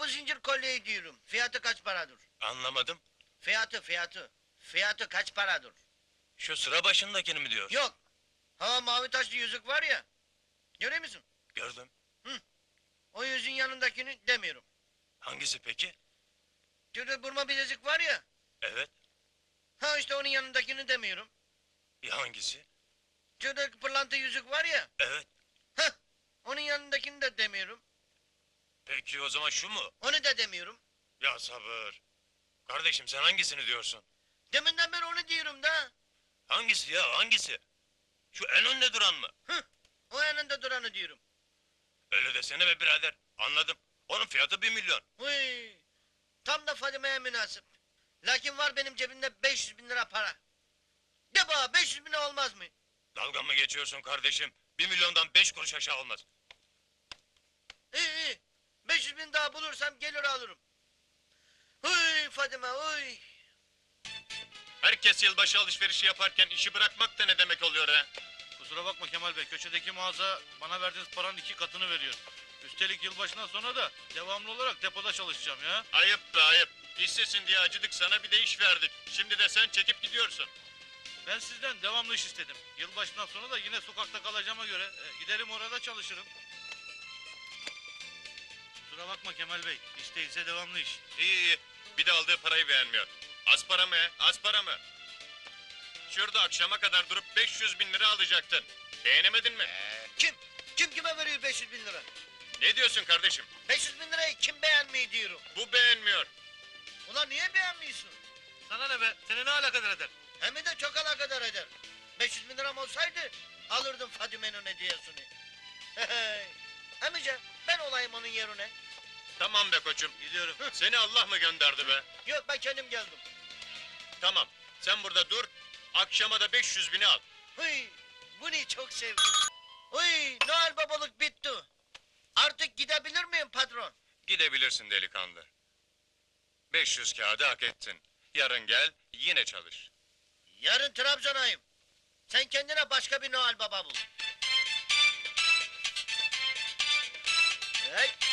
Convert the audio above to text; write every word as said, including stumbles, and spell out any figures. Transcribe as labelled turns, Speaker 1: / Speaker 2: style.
Speaker 1: bu zincir kolyeyi diyorum. Fiyatı kaç paradır?
Speaker 2: Anlamadım.
Speaker 1: Fiyatı, fiyatı. Fiyatı kaç paradır?
Speaker 2: Şu sıra başındakini mi diyorsun?
Speaker 1: Yok. Ha mavi taşlı yüzük var ya. Görüyor musun?
Speaker 2: Gördüm.
Speaker 1: O yüzüğün yanındakini demiyorum.
Speaker 2: Hangisi peki?
Speaker 1: Şurada burma bilezik var ya.
Speaker 2: Evet.
Speaker 1: Ha işte onun yanındakini demiyorum.
Speaker 2: Ya hangisi?
Speaker 1: Şurada pırlanta yüzük var ya.
Speaker 2: Evet.
Speaker 1: Ha onun yanındakini de demiyorum.
Speaker 2: Peki o zaman şu mu?
Speaker 1: Onu da demiyorum.
Speaker 2: Ya sabır. Kardeşim sen hangisini diyorsun?
Speaker 1: Deminden beri onu diyorum da.
Speaker 2: Hangisi ya hangisi? Şu en önde duran mı?
Speaker 1: Hı, o yanında duranı diyorum.
Speaker 2: Öyle desene be birader. Anladım. Onun fiyatı bir milyon.
Speaker 1: Uy, tam da Fadime'ye münasip. Lakin var benim cebimde beş yüz bin lira para. De bana beş yüz bin olmaz mı?
Speaker 2: Dalga mı geçiyorsun kardeşim? Bir milyondan beş kuruş aşağı olmaz.
Speaker 1: İyi iyi. beş yüz bin daha bulursam gelir alırım. Huy Fadime huy.
Speaker 2: Herkes yılbaşı alışverişi yaparken işi bırakmak da ne demek oluyor ha?
Speaker 3: Kusura bakma Kemal Bey, köşedeki mağaza bana verdiğiniz paranın iki katını veriyor. Üstelik yılbaşından sonra da devamlı olarak depoda çalışacağım ya.
Speaker 2: Ayıp be ayıp. İşsizsin diye acıdık sana bir de iş verdik. Şimdi de sen çekip gidiyorsun.
Speaker 3: Ben sizden devamlı iş istedim. Yılbaşından sonra da yine sokakta kalacağıma göre e, giderim orada çalışırım. Kusura bakma Kemal Bey, iş değilse devamlı iş.
Speaker 2: İyi iyi. Bir de aldığı parayı beğenmiyor. Az para mı? Az para mı? Şurada akşama kadar durup beş yüz bin lira alacaktın. Beğenemedin mi?
Speaker 1: Kim? Kim kime veriyor beş yüz bin lira?
Speaker 2: Ne diyorsun kardeşim?
Speaker 1: beş yüz bin lirayı kim beğenmiyor diyorum.
Speaker 2: Bu beğenmiyor.
Speaker 1: Ulan niye beğenmiyorsun?
Speaker 3: Sana ne be, seni ne alakadar eder?
Speaker 1: Hem de çok alakadar eder. beş yüz bin liram olsaydı alırdım Fadime'nin hediyesini. Emice ben olayım onun yerine.
Speaker 2: Tamam be koçum.
Speaker 3: Gidiyorum.
Speaker 2: Seni Allah mı gönderdi be?
Speaker 1: Yok ben kendim geldim.
Speaker 2: Tamam. Sen burada dur. Akşama da beş yüz bini al.
Speaker 1: Hıy, bunu çok sevdim. Hıy, Noel babalık bitti. Artık gidebilir miyim patron?
Speaker 2: Gidebilirsin delikanlı. beş yüz kağıdı hak ettin. Yarın gel yine çalış.
Speaker 1: Yarın Trabzon'ayım. Sen kendine başka bir Noel baba bul. Hey.